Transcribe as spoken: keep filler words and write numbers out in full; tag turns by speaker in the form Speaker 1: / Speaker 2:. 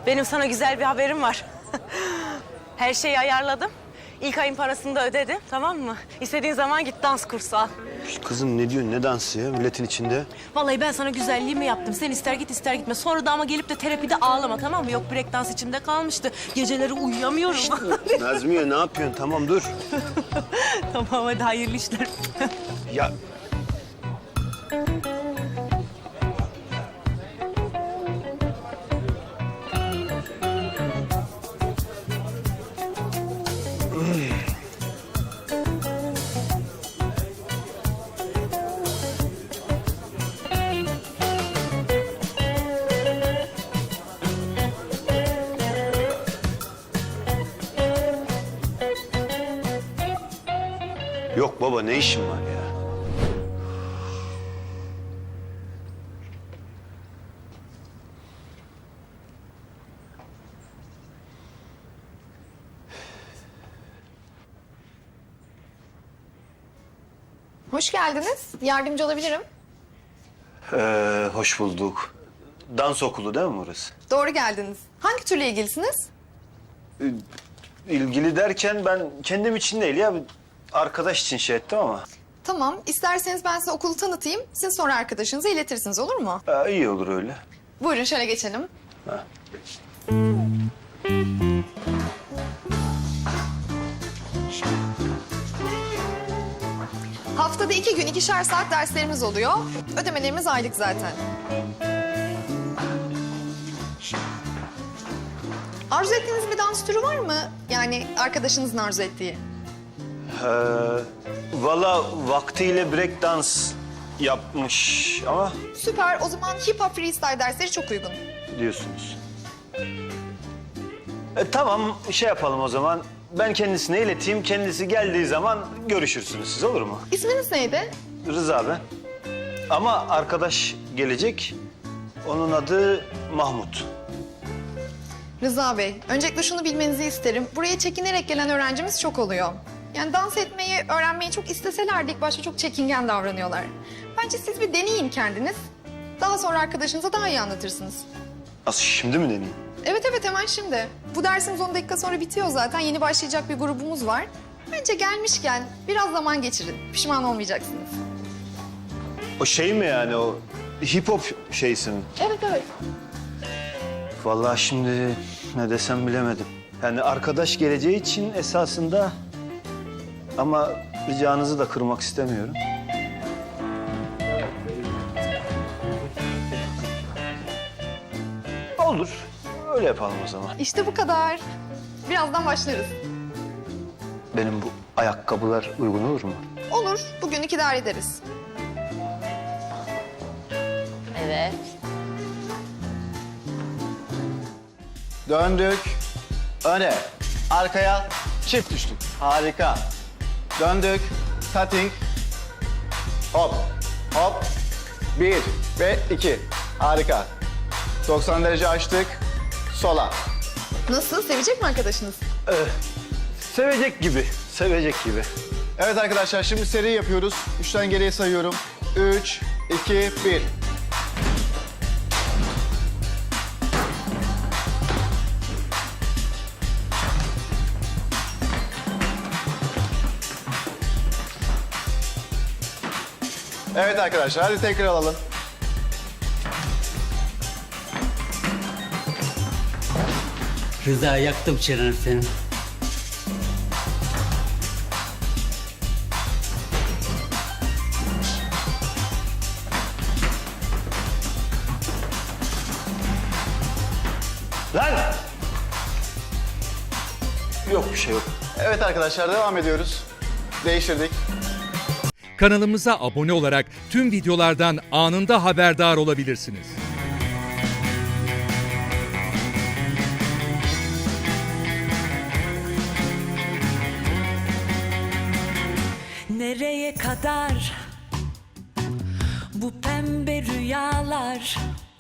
Speaker 1: benim sana güzel bir haberim var. Her şeyi ayarladım. İlk ayın parasını da ödedim, tamam mı? İstediğin zaman git dans kursu al.
Speaker 2: Kızım ne diyorsun, ne dansı ya milletin içinde?
Speaker 1: Vallahi ben sana güzelliğimi yaptım. Sen ister git ister gitme. Sonra da ama gelip de terapide ağlama, tamam mı? Yok, break dans içimde kalmıştı. Geceleri uyuyamıyorum.
Speaker 2: Nazmiye ne yapıyorsun? Tamam dur.
Speaker 1: Tamam, hadi hayırlı işler.
Speaker 2: Ya yok baba, ne işin var ya?
Speaker 3: Hoş geldiniz. Yardımcı olabilirim.
Speaker 2: Ee, hoş bulduk. Dans okulu değil mi burası?
Speaker 3: Doğru geldiniz. Hangi türle ilgilisiniz?
Speaker 2: İlgili derken ben kendim için değil ya, bir arkadaş için şey ettim ama.
Speaker 3: Tamam. İsterseniz ben size okulu tanıtayım. Siz sonra arkadaşınıza iletirsiniz, olur mu?
Speaker 2: Ha, iyi olur öyle.
Speaker 3: Buyurun şöyle geçelim.
Speaker 2: Ha.
Speaker 3: Haftada iki gün ikişer saat derslerimiz oluyor. Ödemelerimiz aylık zaten. Arzu ettiğiniz bir dans türü var mı? Yani arkadaşınızın arzu ettiği.
Speaker 2: Ee, valla vaktiyle break dans yapmış ama
Speaker 3: Süper. O zaman hip hop freestyle dersleri çok uygun.
Speaker 2: diyorsunuz. E, tamam, şey yapalım o zaman. Ben kendisine ileteyim. Kendisi geldiği zaman görüşürsünüz siz, olur mu?
Speaker 3: İsminiz neydi?
Speaker 2: Rıza ben. Ama arkadaş gelecek. Onun adı Mahmut.
Speaker 3: Rıza Bey, öncelikle şunu bilmenizi isterim. Buraya çekinerek gelen öğrencimiz çok oluyor. Yani dans etmeyi, öğrenmeyi çok isteseler de ilk başta çok çekingen davranıyorlar. Bence siz bir deneyin kendiniz. Daha sonra arkadaşınıza daha iyi anlatırsınız.
Speaker 2: Nasıl, şimdi mi deneyeyim?
Speaker 3: Evet evet, hemen şimdi. Bu dersimiz on dakika sonra bitiyor zaten. Yeni başlayacak bir grubumuz var. Bence gelmişken biraz zaman geçirin. Pişman olmayacaksınız.
Speaker 2: O şey mi yani, o hip hop şeysi mi?
Speaker 3: Evet evet.
Speaker 2: Vallahi şimdi ne desem bilemedim. Yani arkadaş geleceği için esasında, ama ricanızı da kırmak istemiyorum. Olur. Öyle yapalım o zaman.
Speaker 3: İşte bu kadar. Birazdan başlarız.
Speaker 2: Benim bu ayakkabılar uygun olur mu?
Speaker 3: Olur. Bugünlük idare ederiz.
Speaker 1: Evet.
Speaker 4: Döndük. Öne. Arkaya. Çift düştük. Harika. Döndük. Cutting. Hop. Hop. Bir ve iki. Harika. doksan derece açtık. Sola.
Speaker 3: Nasıl? Sevecek mi arkadaşınız?
Speaker 2: Sevecek gibi, sevecek gibi.
Speaker 4: Evet arkadaşlar, şimdi seri yapıyoruz. Üçten geriye sayıyorum. Üç, iki, bir. Evet arkadaşlar, hadi tekrar alalım.
Speaker 5: Rıza, yaktım çeneni senin.
Speaker 2: Lan! Yok bir şey yok.
Speaker 4: Evet arkadaşlar, devam ediyoruz. Değiştirdik.
Speaker 6: Kanalımıza abone olarak tüm videolardan anında haberdar olabilirsiniz.
Speaker 7: Nereye kadar bu pembe rüyalar?